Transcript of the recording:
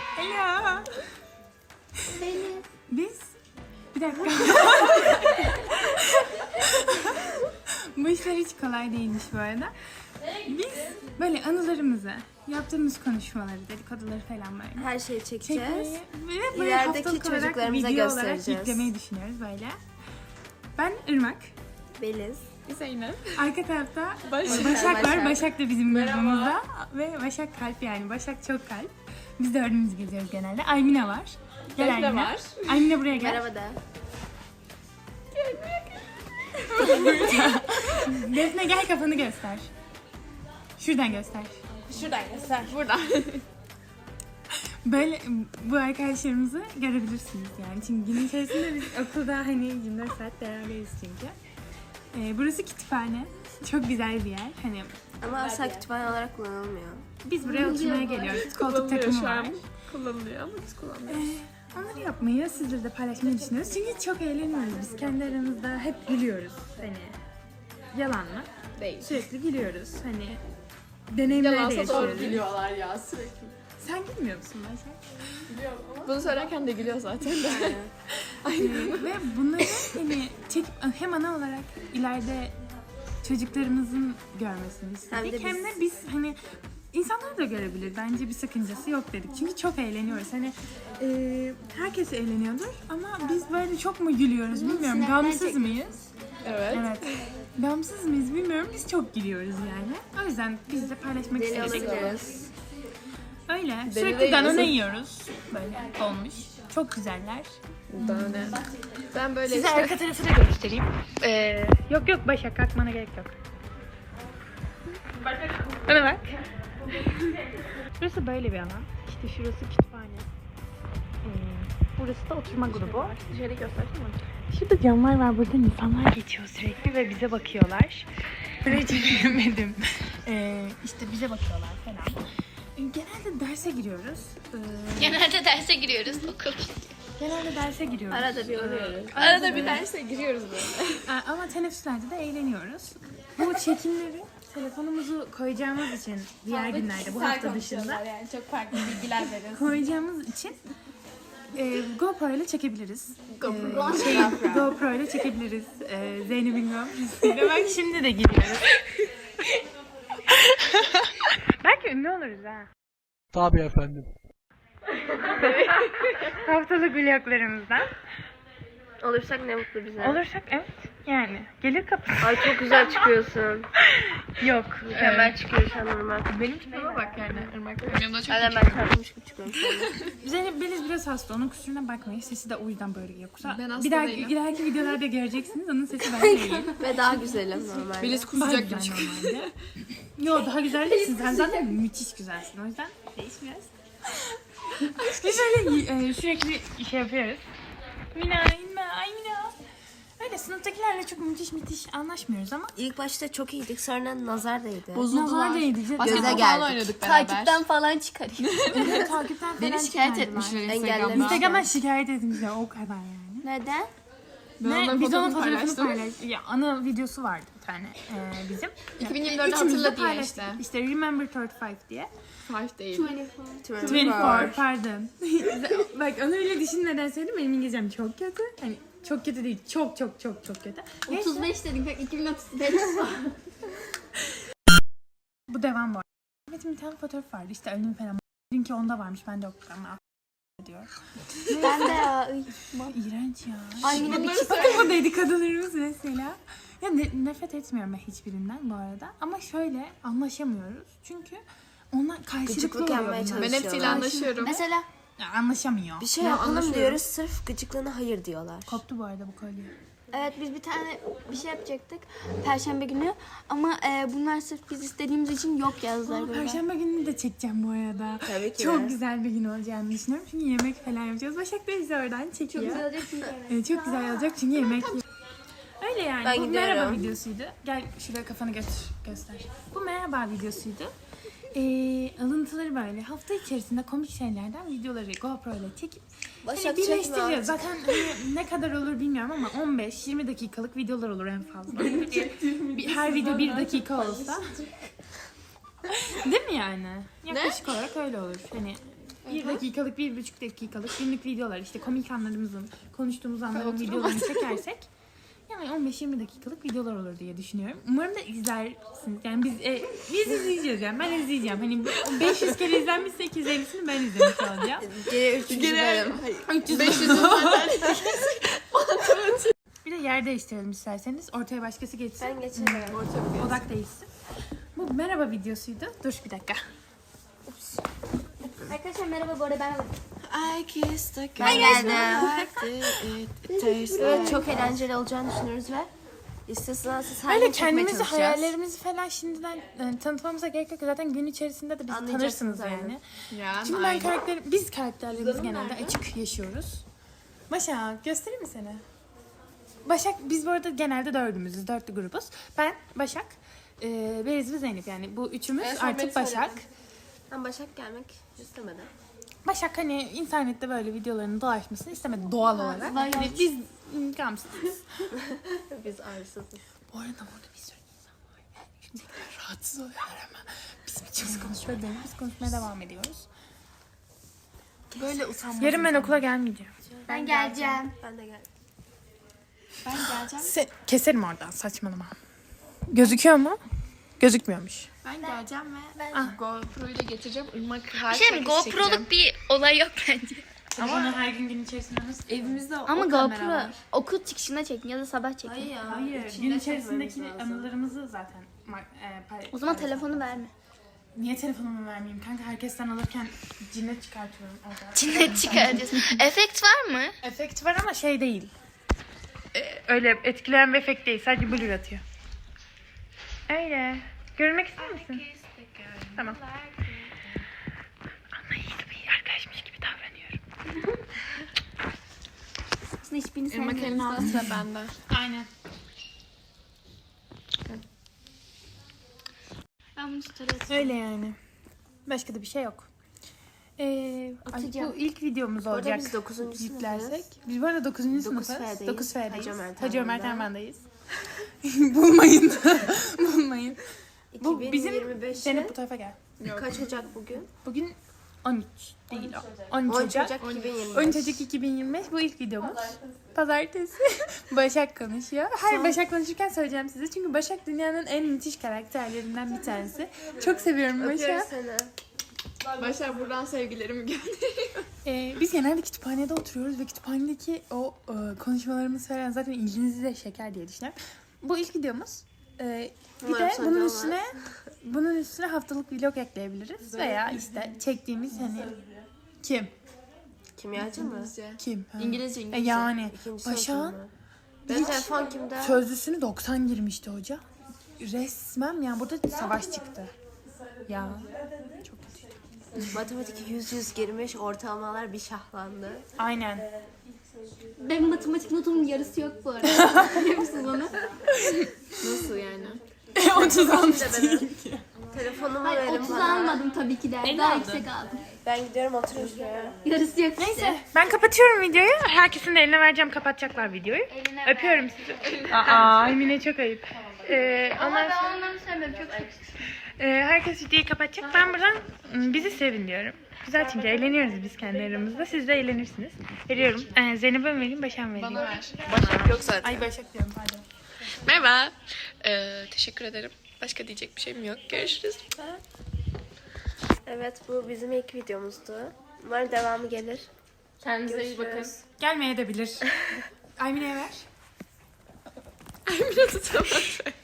Ela. Biz bir dakika. Bu işler hiç kolay değilmiş bu arada. Biz böyle anılarımızı, yaptığımız konuşmaları, dedikoduları falan böyle Her şeyi çekeceğiz. çekmeyi ve böyle İlerideki haftalık olarak çocuklarımıza video olarak göstereceğiz. yüklemeyi düşünüyoruz böyle. Ben Irmak. Beliz. Zeynep. Arka tarafta Başak. Başak var. Başak. Başak da bizim grubumuzda. Ve Başak kalp yani. Başak çok kalp. Biz dördümüz geziyoruz genelde. Aymine var. Gel Defne Aymine. var. Aymine buraya gel. Merhaba de. Defne gel, kafanı göster. Şuradan göster. Şuradan göster. Buradan. Böyle bu arkadaşlarımızı görebilirsiniz yani. Çünkü gün içerisinde biz okulda hani 24 saat beraberiz çünkü. Burası kütüphane. Çok güzel bir yer. Hani Ama asla kütüphane olarak kullanılmıyor. biz buraya oturmaya geliyoruz. Koltuk Kullanılıyor takımı şu var. an. Kullanılıyor ama biz kullanmıyoruz. Onları yapmayı sizlerle de paylaşmayı düşünüyoruz. Çünkü çok eğleniyoruz. Biz kendi aramızda hep gülüyoruz. Hani yalan mı? Değil. Sürekli gülüyoruz. Hani deneyimler de Yalansa doğru yaşıyoruz. gülüyorlar ya sürekli. Sen gülmüyor musun Başak? Bunu söylerken de gülüyor zaten de. Ve bunları hani çekip hem ana olarak ileride çocuklarımızın görmesini istedik. Hem de biz hani insanlar da görebilir. Bence bir sakıncası yok dedik. Çünkü çok eğleniyoruz. Hani herkes eğleniyordur ama biz böyle çok mu gülüyoruz bilmiyorum. Gamsız mıyız? Evet. Evet. Gamsız mıyız bilmiyorum. Biz çok gülüyoruz yani. O yüzden biz de paylaşmak Deli istedik. olabiliriz. Öyle. Deli Sürekli değiliz. Danone yiyoruz. Böyle olmuş. Çok güzeller. Daha ne? Ben böyle Size işte... arka tarafı da göstereyim. Yok yok Başak, kalkmana gerek yok. Bana bak. Burası böyle bir alan. İşte şurası kütüphane. Burası da oturma grubu. Dışarı göstersene. Şurada camlar var. Burada insanlar geçiyor sürekli ve bize bakıyorlar. Burayı çekemedim. İşte bize bakıyorlar falan. Genelde derse giriyoruz. Genelde derse giriyoruz okul. Genelde derse giriyoruz. Arada bir oluyoruz. Arada bir derse giriyoruz böyle. Ama teneffüslerde de eğleniyoruz. Bu çekimleri telefonumuzu koyacağımız için diğer günlerde bu hafta dışında Yani çok farklı bilgiler veriyorsun. koyacağımız için GoPro ile çekebiliriz. GoPro. GoPro ile çekebiliriz. Zeynep'in GoPro'suyla. Bak şimdi de giriyoruz. Belki ünlü oluruz ha. Tabii efendim. Haftalık vloglarımızdan. Olursak ne mutlu bize. Olursak evet. Yani gelir kapısı. Ay çok güzel çıkıyorsun. Yok. Mükemmel çıkıyor şu an normal. Benim tipime bak yani. Irmak benim de çok Aynen ben çarpmış gibi çıkıyorum şu an. Zeynep Beliz biraz hasta. Onun kusuruna bakmayın. Sesi de o yüzden böyle yoksa. Ben hasta bir dahaki, değilim. ileriki videolarda göreceksiniz. Onun sesi böyle değil. Ve daha güzelim normalde. Beliz Daha kusacak güzel gibi çıkıyor. normalde. Yo daha güzel değilsin. Sen zaten müthiş güzelsin. O yüzden değişmiyoruz. Biz öyle sürekli şey yapıyoruz. Mina. Öyle sınıftakilerle çok müthiş anlaşmıyoruz ama İlk başta çok iyiydik, sonra nazar değdi. nazar değdi. Göze Basketbol falan geldik. oynadık beraber. Takipten falan çıkarayım. Evet, takipten falan Beni şikayet çıkardılar. etmişler Engellemiş. Instagram'da. Instagram'dan şikayet etmişler o kadar yani. Neden? Ben Ve onların biz onun fotoğrafını fotoğrafını paylaştım. paylaştık. Ya, ana videosu vardı bir tane bizim. 2024'ü Üçümüz de hatırla diye paylaştık. işte. İşte Remember 35 diye. 5 değil. 24 pardon. Bak onu öyle düşünmeden söyledim. Benim İngilizcem çok kötü. Hani çok kötü değil. Çok kötü. Neyse, 35 dedim. 2035. bu devam var. Evet bir tane fotoğraf vardı. İşte önüm falan. Dünkü onda varmış. Ben de okudum. Diyor. Ben de ya. İğrenç ya. Ay yine bir Bakın bu dedikodularımız mesela. Ya nefret etmiyorum ben hiçbirinden bu arada. Ama şöyle anlaşamıyoruz. Çünkü onlar karşılıklı Gıcıklık oluyor yapmaya bunlar. Ben hepsiyle çalışıyorlar. anlaşıyorum. Mesela Ya, anlaşamıyor. Bir şey yapalım diyoruz, sırf gıcıklığına hayır diyorlar. Koptu bu arada bu kolye. evet biz bir tane bir şey yapacaktık. Perşembe günü. Ama bunlar sırf biz istediğimiz için yok yazdılar. burada. Perşembe gününü de çekeceğim bu arada. Tabii ki Çok de. güzel bir gün olacağını düşünüyorum. Çünkü yemek falan yapacağız. Başak da bizi oradan çekiyor. Güzel olacak çünkü. Çok güzel olacak çünkü yemek. Öyle yani. Ben Bu gidiyorum. merhaba videosuydu. Gel şuraya kafanı göster. Bu merhaba videosuydu. Alıntıları böyle hafta içerisinde komik şeylerden videoları GoPro ile çekip Başak hani çekme birleştireceğiz. artık. Zaten hani ne kadar olur bilmiyorum ama 15-20 dakikalık videolar olur en fazla. Her video 1 dakika olsa. Değil mi yani? Yaklaşık olarak öyle olur. Hani 1 dakikalık, 1,5 dakikalık günlük videolar, işte komik anlarımızın, konuştuğumuz anların videolarını çekersek yani 15-20 dakikalık videolar olur diye düşünüyorum. Umarım da izlersiniz. Yani biz izleyeceğiz yani. Ben izleyeceğim. Hani 500 kere izlenmişse 250'sini ben izlemiş olacağım. Geri 300 benim. 500 zaten. Bir de yer değiştirelim isterseniz. Ortaya başkası geçsin. Ben geçerim. Odak değişsin. Bu merhaba videosuydu. Dur bir dakika. Arkadaşlar merhaba, bu arada ben Ben geldim. Evet, çok eğlenceli olacağını düşünüyoruz ve istisnasız siz her Öyle gün çekmeye kendimizi, çalışacağız. hayallerimizi falan şimdiden tanıtmamıza gerek yok. Zaten gün içerisinde de bizi Anlayacaksınız tanırsınız yani. Yani Çünkü biz karakterlerimizi genelde açık yaşıyoruz. Başak, göstereyim mi seni? Başak, biz bu arada genelde dördümüzüz, dörtlü grubuz. Ben, Başak, Beriz ve Zeynep, yani bu üçümüz artık Başak. Ben Başak gelmek istemedim. Başak hani internette böyle videolarının dolaşmasını istemedi doğal olarak. Yani biz gamsızız. Biz arsızız. Bu arada orada bir sürü insan var. Şimdi rahatsız oluyorlar ama bizim için biz konuşuyoruz. Biz konuşmaya devam ediyoruz. böyle utanmaz. Yarın ben okula gelmeyeceğim. Ben geleceğim. Ben de geldim. Ben geleceğim. Keserim oradan, saçmalama. Gözüküyor mu? Gözükmüyormuş. Ben geleceğim ve GoPro'yu da getireceğim. Irmak her Şey mi, GoPro'luk bir olay yok bence. Ama onu her gün içerisinde nasıl? evimizde Ama GoPro okul çıkışında çekin ya da sabah çekin. Hayır, gün içerisindeki anılarımızı zaten O zaman telefonu verme. Niye telefonumu vermeyeyim kanka? Herkesten alırken cinnet çıkartıyorum orada. Cinnet çıkaracağız. Efekt var mı? Efekt var ama şey değil. Öyle etkileyen bir efekt değil. Sadece blur atıyor. Öyle. Görünmek ister misin? Tamam. Anlayışlı bir arkadaşmış gibi davranıyorum. Aslında hiçbirini Irmak elini sevmiyorum. aldı sıra bende. Aynen. Ben bunu tutarım. Öyle yani. Başka da bir şey yok. Ay, Atacağım. bu ilk videomuz Orada olacak. biz 9. Yüklersek. sınıfız. Biz bu arada 9. sınıfız. 9F'deyiz. 9 F'deyiz. Hacı Ömer Hacı Ömer Terman'da. Terman'dayız. Bulmayın. Bulmayın. Bu bizim 2025'te Zeynep bu tarafa gel. kaç Ocak bugün? Bugün 13 değil o. 13 10 Ocak. Ocak 2025. 13 Ocak 2025 bu ilk videomuz. Pazartesi. Başak konuşuyor. Her Başak konuşurken söyleyeceğim size. Çünkü Başak dünyanın en müthiş karakterlerinden bir tanesi. Çok seviyorum Öpüyoruz Başak. seni. Başar buradan sevgilerimi gönderiyorum. Biz genelde kütüphanede oturuyoruz ve kütüphanedeki o konuşmalarımız falan zaten ilginizi de çeker diye düşünüyorum. Bu ilk videomuz. Bir Umarım de sonucu bunun üstüne haftalık vlog ekleyebiliriz veya işte çektiğimiz hani kim? Kimyacı mı? Kim? Ha. İngilizce. Yani İkinci Başak'ın sınıfım mı? Benim telefon kimde? sözlüsünü 90 girmişti hoca. Resmen yani burada savaş çıktı. Ya çok kötüydü. Matematik 100 girmiş, ortalamalar bir şahlandı. Aynen. Benim matematik notumun yarısı yok bu arada. Biliyor musunuz onu? Nasıl yani? 30 almış. Telefonumu Hayır, verin 30 bana. almadım tabii ki de. Daha yüksek aldım. Ben gidiyorum oturun şuraya. Yarısı yok işte. Neyse ben kapatıyorum videoyu. Herkesin de eline vereceğim, kapatacaklar videoyu. Eline Öpüyorum sizi. Aa, Emine çok ayıp. Ondan sonra Ben onları sevmiyorum. Çok seksi. herkes videoyu kapatacak. Ben buradan bizi sevin diyorum. Güzel çünkü eğleniyoruz biz kendi aramızda. Siz de eğlenirsiniz. Veriyorum. Zeynep'e mi vereyim, Başak'a mı vereyim? Bana ver. Başak yok zaten. Ay Başak diyorum pardon. Merhaba. Teşekkür ederim. Başka diyecek bir şeyim yok. Görüşürüz. Evet, bu bizim ilk videomuzdu. Umarım devamı gelir. Kendinize iyi bakın. Görüşürüz. Gelmeye de bilir. Aymine'ye ver. Ay biraz tutamadım.